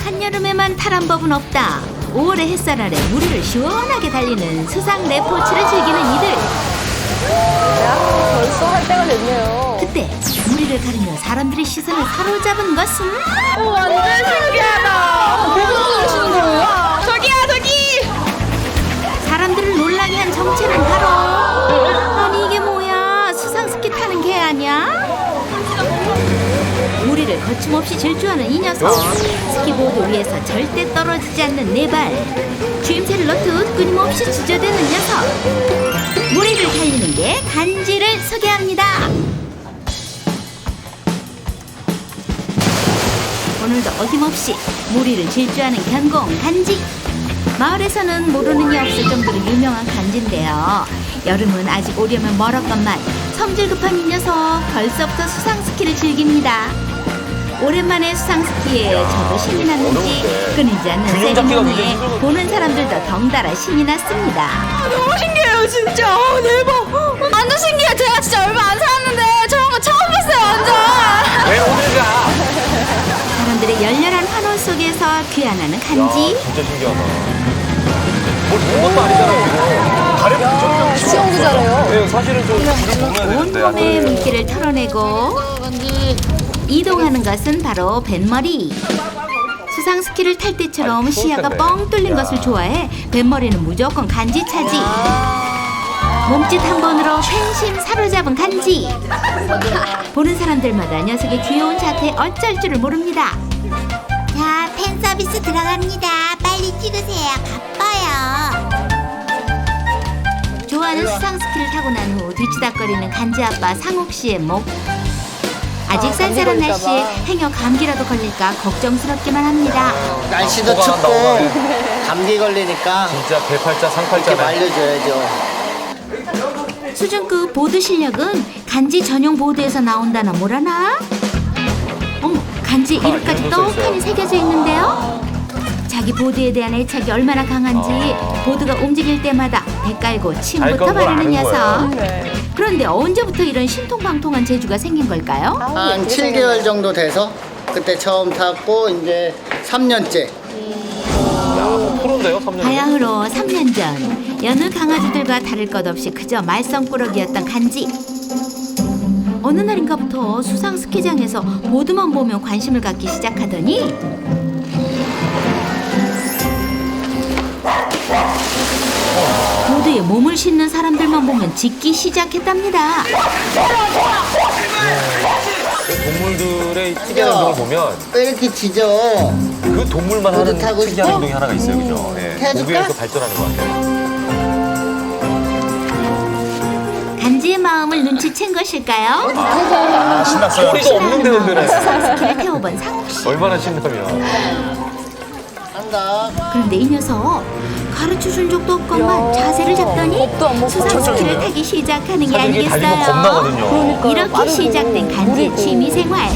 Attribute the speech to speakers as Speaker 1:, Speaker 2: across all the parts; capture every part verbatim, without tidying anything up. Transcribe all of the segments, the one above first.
Speaker 1: 한여름에만 탈한 법은 없다. 오월의 햇살 아래 무리를 시원하게 달리는 수상 레포츠를 즐기는 이들.
Speaker 2: 야, 벌써 할 때가 됐네요.
Speaker 1: 그때 무리를 가르며 사람들의 시선을 사로잡은 것은
Speaker 2: 오, 완전 신기하다. 누구 그러시는 거예요? 저기야, 저기!
Speaker 1: 사람들을 놀라게 한 정체는 바로, 아니 이게 뭐야, 수상 스키 타는 개 아니야? 무리를 거침없이 질주하는 이 녀석. 스키보드 위에서 절대 떨어지지 않는 네 발, 주임새를 넣듯 끊임없이 주저대는 녀석. 무리를 달리는 게 간지를 소개합니다. 오늘도 어김없이 무리를 질주하는 견공 간지. 마을에서는 모르는 이 없을 정도로 유명한 간지인데요. 여름은 아직 오려면 멀었건만 성질 급한 이 녀석 벌써부터 수상 스키를 즐깁니다. 오랜만에 수상 스키에 저도 신이 났는지 끊이지 않는 세리머니에 보는 사람들도 덩달아 신이 났습니다.
Speaker 2: 아, 너무 신기해요, 진짜. 아, 대박. 완전 신기해. 제가 진짜 얼마 안 살았는데 저런 거 처음 봤어요, 완전.
Speaker 3: 왜 오늘 가?
Speaker 1: 사람들의 열렬한 환호 속에서 귀환하는 간지.
Speaker 3: 진짜 신기하다. 뭘 본 것도 아니잖아요. 다른 부정이랑
Speaker 2: 수영도 잘해요.
Speaker 3: 네, 사실은 좀 줄을 보면 되는데.
Speaker 1: 온몸에 물기를 털어내고 이동하는 것은 바로 뱃머리. 수상 스키를 탈 때처럼 시야가 뻥 뚫린 것을 좋아해 뱃머리는 무조건 간지 차지. 몸짓 한 번으로 팬심 사로잡은 간지. 보는 사람들마다 녀석의 귀여운 자태에 어쩔 줄을 모릅니다.
Speaker 4: 자, 팬 서비스 들어갑니다. 빨리 찍으세요. 바빠요.
Speaker 1: 좋아하는 수상 스키를 타고 난 후 뒤치다거리는 간지 아빠 상욱 씨의 목. 아직
Speaker 2: 아,
Speaker 1: 쌀쌀한
Speaker 2: 감기
Speaker 1: 날씨에
Speaker 2: 걸릴까 봐.
Speaker 1: 행여 감기라도 걸릴까 걱정스럽기만 합니다.
Speaker 5: 날씨도
Speaker 3: 뭐가
Speaker 5: 춥고
Speaker 3: 나오네.
Speaker 5: 감기 걸리니까
Speaker 3: 진짜 개팔자
Speaker 5: 이렇게
Speaker 3: 상팔자네.
Speaker 5: 말려줘야죠.
Speaker 1: 수준급 보드 실력은 간지 전용 보드에서 나온다나 뭐라나? 어머, 간지 이름까지
Speaker 3: 이름도 써
Speaker 1: 떡하니
Speaker 3: 있어요.
Speaker 1: 새겨져 있는데요. 자기 보드에 대한 애착이 얼마나 강한지
Speaker 3: 아.
Speaker 1: 보드가 움직일 때마다 배 깔고
Speaker 3: 알
Speaker 1: 침부터
Speaker 3: 건 걸
Speaker 1: 바르는
Speaker 3: 아는
Speaker 1: 녀석.
Speaker 2: 네.
Speaker 1: 그런데 언제부터 이런 신통방통한 재주가 생긴 걸까요?
Speaker 5: 한 칠 개월 정도 돼서 그때 처음 탔고 이제 삼 년째.
Speaker 3: 야, 뭐 프로인데요, 삼 년.
Speaker 1: 바야흐로 삼 년 전 여느 강아지들과 다를 것 없이 그저 말썽꾸러기였던 간지. 어느 날인가부터 수상 스키장에서 보드만 보면 관심을 갖기 시작하더니 보드에 몸을 싣는 사람들만 보면 짖기 시작했답니다.
Speaker 3: 그 동물들의 특이한 행동을 보면
Speaker 5: 왜 이렇게 짖어?
Speaker 3: 그 동물만
Speaker 5: 보드
Speaker 3: 하는
Speaker 5: 타고
Speaker 3: 특이한
Speaker 5: 싶어?
Speaker 3: 행동이 하나가 있어요, 그죠? 네.
Speaker 5: 해줄까?
Speaker 3: 거기에서 발전하는 것 같아요.
Speaker 1: 간지의 마음을 눈치챈 것일까요?
Speaker 3: 아, 신났어요. 소리가 없는데 흔드네.
Speaker 1: 수상 스키를 태워본 상욱 씨.
Speaker 3: 얼마나 신나면.
Speaker 5: 한다.
Speaker 1: 그런데 이 녀석 가르쳐준 적도 없건만 자세를 잡더니
Speaker 2: 겁도 안 먹고
Speaker 1: 수상 스키를
Speaker 3: 천천히요.
Speaker 1: 타기 시작하는 게
Speaker 3: 사실 이게 달리면
Speaker 1: 아니겠어요.
Speaker 3: 겁나거든요.
Speaker 2: 그러니까요.
Speaker 1: 이렇게
Speaker 2: 빠르고
Speaker 1: 시작된 간지의
Speaker 2: 무리고.
Speaker 1: 취미생활.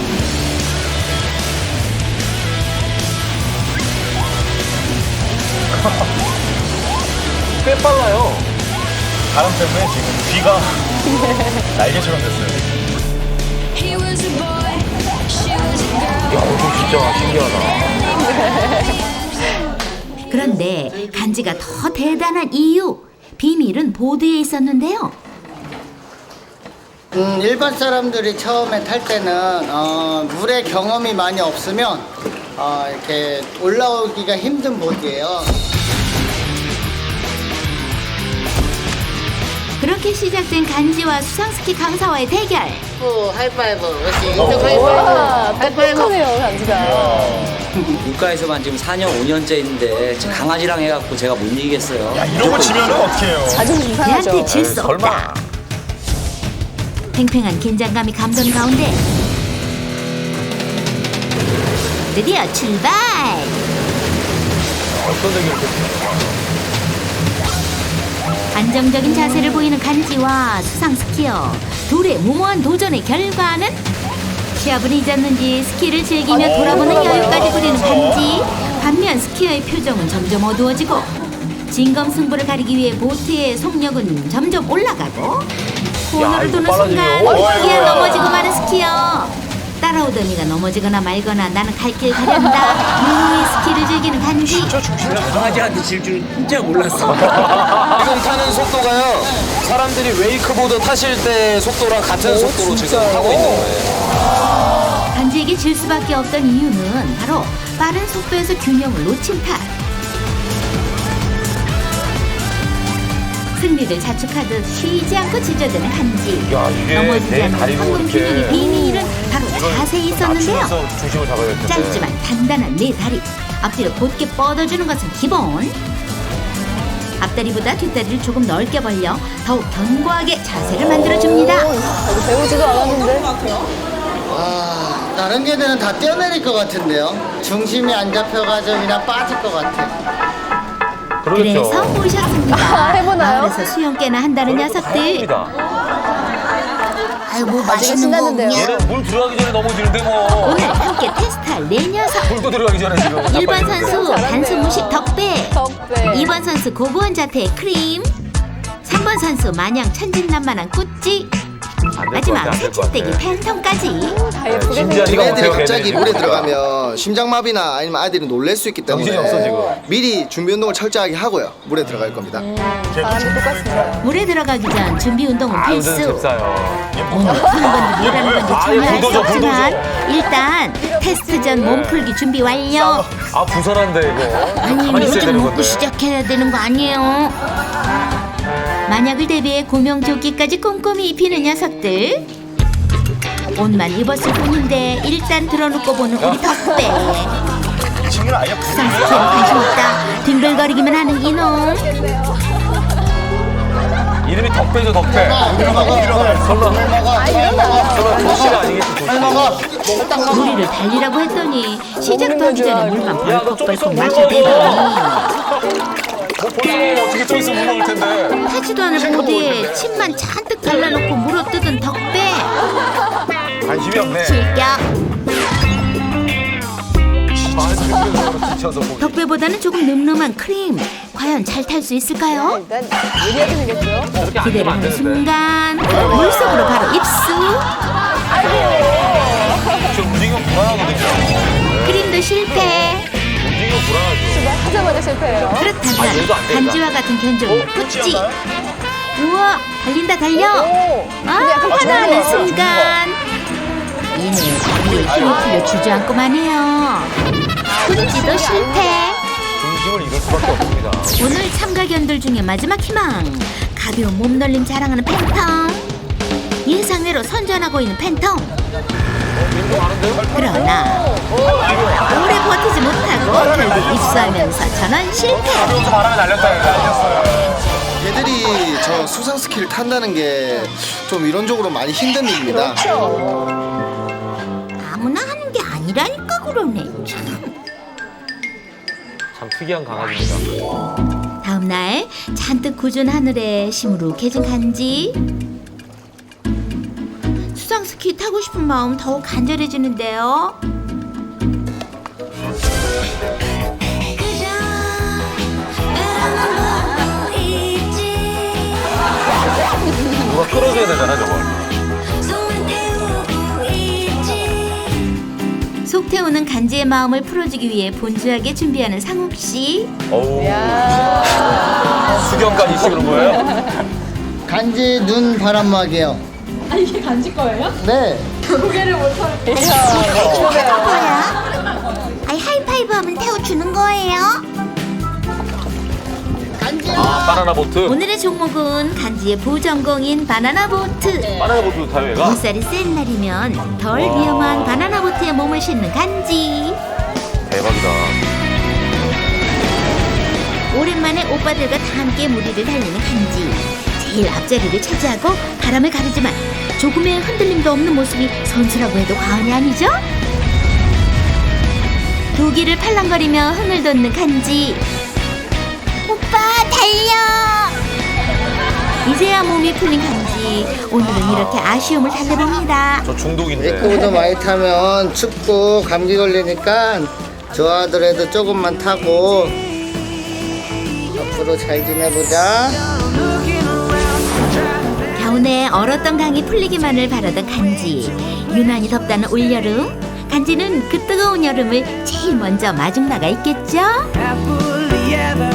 Speaker 3: 꽤 빨라요. 바람 때문에 지금 귀가 날개처럼 됐어요. 야, 이거 진짜 신기하다.
Speaker 1: 그런데 간지가 더 대단한 이유, 비밀은 보드에 있었는데요.
Speaker 5: 음, 일반 사람들이 처음에 탈 때는 어, 물에 경험이 많이 없으면 어, 이렇게 올라오기가 힘든 보드예요.
Speaker 1: 그렇게 시작된 간지와 수상스키 강사와의 대결.
Speaker 5: 오, 하이파이브. 그렇지. 인증
Speaker 2: 와,
Speaker 5: 하이파이브.
Speaker 2: 똑똑하네요, 간지가.
Speaker 6: 물가에서만 지금 사 년, 오 년째인데 지금 강아지랑 해갖고 제가 못 이기겠어요.
Speaker 3: 이런 거 지면은 어떻게 해요?
Speaker 2: 자존심 상하죠.
Speaker 1: 걔한테 질 수 없다. 팽팽한 긴장감이 감도는 가운데 드디어 출발!
Speaker 3: 어떤 적이 이렇게
Speaker 1: 안정적인 자세를 보이는 간지와 수상 스키어 둘의 무모한 도전의 결과는 시합은 잊었는지 스키를 즐기며 돌아보는 여유까지 부리는 간지. 반면 스키어의 표정은 점점 어두워지고 진검승부를 가리기 위해 보트의 속력은 점점 올라가고 코너를
Speaker 3: 이거
Speaker 1: 도는
Speaker 3: 빨라지네요.
Speaker 1: 순간
Speaker 3: 어이구,
Speaker 1: 스키어
Speaker 3: 어이구야.
Speaker 1: 넘어지고 마는 스키어. 따라오던 이가 넘어지거나 말거나 나는 갈 길 가련다. 즐기는 간지.
Speaker 6: 강아지한테 질 줄 진짜 몰랐어.
Speaker 7: 지금 타는 속도가요. 사람들이 웨이크보드 타실 때 속도랑 같은 속도로 지금 타고 있는 거예요.
Speaker 1: 간지에게 질 수밖에 없던 이유는 바로 빠른 속도에서 균형을 놓친 탓. 승리를 자축하듯 쉬지 않고 지저대는 간지.
Speaker 3: 야, 이게
Speaker 1: 넘어지지
Speaker 3: 내
Speaker 1: 않는
Speaker 3: 다리로
Speaker 1: 황금
Speaker 3: 이렇게
Speaker 1: 균형의 비밀은 바로 자세에 있었는데요.
Speaker 3: 낮추면서 중심을 잡아야 될 텐데.
Speaker 1: 짧지만 단단한 네 다리. 앞뒤로 곧게 뻗어주는 것은 기본. 앞다리보다 뒷다리를 조금 넓게 벌려 더욱 견고하게 자세를 만들어줍니다.
Speaker 2: 배우지도 않았는데.
Speaker 5: 아, 다른 개들은 다 뛰어내릴 것 같은데요. 중심이 안 잡혀가지고 그냥 빠질 것 같아.
Speaker 3: 그러겠죠.
Speaker 1: 그래서 모셨습니다.
Speaker 2: 아, 해보나요?
Speaker 1: 마을에서 수영깨나 한다는 녀석들.
Speaker 3: 다행입니다.
Speaker 4: 아유 뭐
Speaker 2: 아직은
Speaker 4: 맛있는 거
Speaker 2: 신났는데요.
Speaker 4: 없냐?
Speaker 3: 얘는 물 들어가기 전에 넘어지는데 뭐.
Speaker 1: 오늘 함께 테스트할 네 녀석.
Speaker 3: 물도 들어가기 전에 지금.
Speaker 1: 일 번 선수 단순 무식 덕배.
Speaker 2: 덕배.
Speaker 1: 이 번 선수 고고한 자태의 크림. 삼 번 선수 마냥 천진난만한 꾸찌. 마지막 새침대기 팬텀까지.
Speaker 2: 다 예쁘게
Speaker 3: 진짜
Speaker 2: 생겼어.
Speaker 3: 이거
Speaker 7: 애들이
Speaker 3: 못해요,
Speaker 7: 갑자기
Speaker 3: 걔네.
Speaker 7: 물에 들어가면 심장마비나 아니면 아이들이 놀랄 수 있기 때문에
Speaker 3: 정신이 없어, 지금.
Speaker 7: 미리 준비 운동을 철저하게 하고요. 물에 들어갈 겁니다.
Speaker 2: 사람이 똑같습니다.
Speaker 1: 물에 들어가기 전 준비 운동은
Speaker 3: 아,
Speaker 1: 필수.
Speaker 3: 운전 잽싸요.
Speaker 1: 몸을 푸는 건지 뭐라는 건지
Speaker 3: 아,
Speaker 1: 정말 알 수
Speaker 3: 불도저,
Speaker 1: 없지만
Speaker 3: 불도저.
Speaker 1: 일단 테스트 전 몸풀기 준비 완료.
Speaker 3: 아, 부산한데 이거.
Speaker 1: 아니
Speaker 3: 가만히 있어야
Speaker 1: 요즘
Speaker 3: 되는
Speaker 1: 먹고
Speaker 3: 건데.
Speaker 1: 시작해야 되는 거 아니에요? 만약을 대비해 구명조끼까지 꼼꼼히 입히는 녀석들. 옷만 입었을 뿐인데 일단 들어놓고 보는 우리 덕배.
Speaker 3: 친구는 아예
Speaker 1: 수상스럽게 관심 없다. 뒹글거리기만 하는 이놈.
Speaker 3: 이름이 덕배죠, 덕배. 설마, 설마 도시가 아니겠지, 도시.
Speaker 1: 우리를 달리라고 했더니 시작도 하기 전에 물만
Speaker 3: 야, 너 좀
Speaker 1: 벌컥벌컥
Speaker 3: 있으면
Speaker 1: 마셔대더니
Speaker 3: 뭐 벌써 어떻게 좀 있으면 물 먹을 텐데.
Speaker 1: 타지도 않을 보드에 침만 잔뜩 발라놓고 물어뜯은 덕배.
Speaker 3: 관심이 없네.
Speaker 1: 실격.
Speaker 3: 아, 지쳐서 보기.
Speaker 1: 덕배보다는 조금 늠름한 크림. 과연 잘 탈 수 있을까요?
Speaker 2: 일단 예리하게 생겼죠.
Speaker 3: 저렇게 안
Speaker 1: 기대를
Speaker 3: 되면 안
Speaker 1: 하는
Speaker 3: 되는데.
Speaker 1: 순간 물속으로 바로 입수.
Speaker 3: 저 움직이면 불안하거든요.
Speaker 1: 크림도 실패.
Speaker 3: 움직이면 불안하죠.
Speaker 2: 하자마자 실패해요.
Speaker 3: 아, 얘도
Speaker 1: 그렇다면
Speaker 3: 안 된다.
Speaker 1: 간지와 같은 견종은
Speaker 3: 어,
Speaker 1: 꾸찌.
Speaker 3: 꾸찌
Speaker 1: 우와 달린다 달려.
Speaker 2: 오.
Speaker 1: 아
Speaker 2: 근데 약간
Speaker 1: 하나하는
Speaker 2: 좋은
Speaker 1: 순간 이는 다리에 힘을 풀려 주저앉고만 해요. 꾸찌도 실패.
Speaker 3: 중심을 잃을 수밖에 없습니다.
Speaker 1: 오늘 참가견들 중에 마지막 희망. 가벼운 몸놀림 자랑하는 팬텀. 예상외로 선전하고 있는 팬텀. 그러나 오래 버티지 못하고 결국 입수하면서 전원 실패.
Speaker 3: 가벼워서 바람에 날렸다, 날렸어요.
Speaker 7: 얘들이 저 수상 스키를 탄다는 게 좀 이론적으로 많이 힘든 일입니다.
Speaker 1: 아무나 하는 게 아니라니까 그러네. 참.
Speaker 3: 참 특이한 강아지입니다.
Speaker 1: 다음 날 잔뜩 굳은 하늘에 시무룩해진 간지. 수상 스키 타고 싶은 마음 더욱 간절해지는데요.
Speaker 3: 누가 끌어줘야 되잖아, 저거.
Speaker 1: 속 태우는 간지의 마음을 풀어주기 위해 분주하게 준비하는 상욱 씨.
Speaker 3: 어우. 수경까지 있어 그런 거예요?
Speaker 5: 간지 눈 바람막이요.
Speaker 2: 아 이게 간지 거예요?
Speaker 5: 네.
Speaker 2: 고개를 못 하는.
Speaker 4: 뭐야? 아이 하이파이브 하면 태워주는 거예요?
Speaker 3: 아, 바나나 보트.
Speaker 1: 오늘의 종목은 간지의 부전공인 바나나 보트.
Speaker 3: 바나나 보트 타요, 얘가?
Speaker 1: 물살이 센 날이면 덜 위험한 바나나 보트에 몸을 싣는 간지.
Speaker 3: 대박이다.
Speaker 1: 오랜만에 오빠들과 다 함께 무리를 달리는 간지. 제일 앞자리를 차지하고 바람을 가르지만 조금의 흔들림도 없는 모습이 선수라고 해도 과언이 아니죠? 도기를 팔랑거리며 흥을 돋는 간지.
Speaker 4: 오빠 달려!
Speaker 1: 이제야 몸이 풀린 간지. 오늘은 이렇게 아쉬움을 달래봅니다.
Speaker 3: 저 중독인데.
Speaker 5: 웨이크보드 많이 타면 춥고 감기 걸리니까 좋아하더라도 조금만 타고 앞으로 잘 지내보자.
Speaker 1: 겨우내 얼었던 강이 풀리기만을 바라던 간지. 유난히 덥다는 올여름. 간지는 그 뜨거운 여름을 제일 먼저 마중 나가 있겠죠?
Speaker 8: happily ever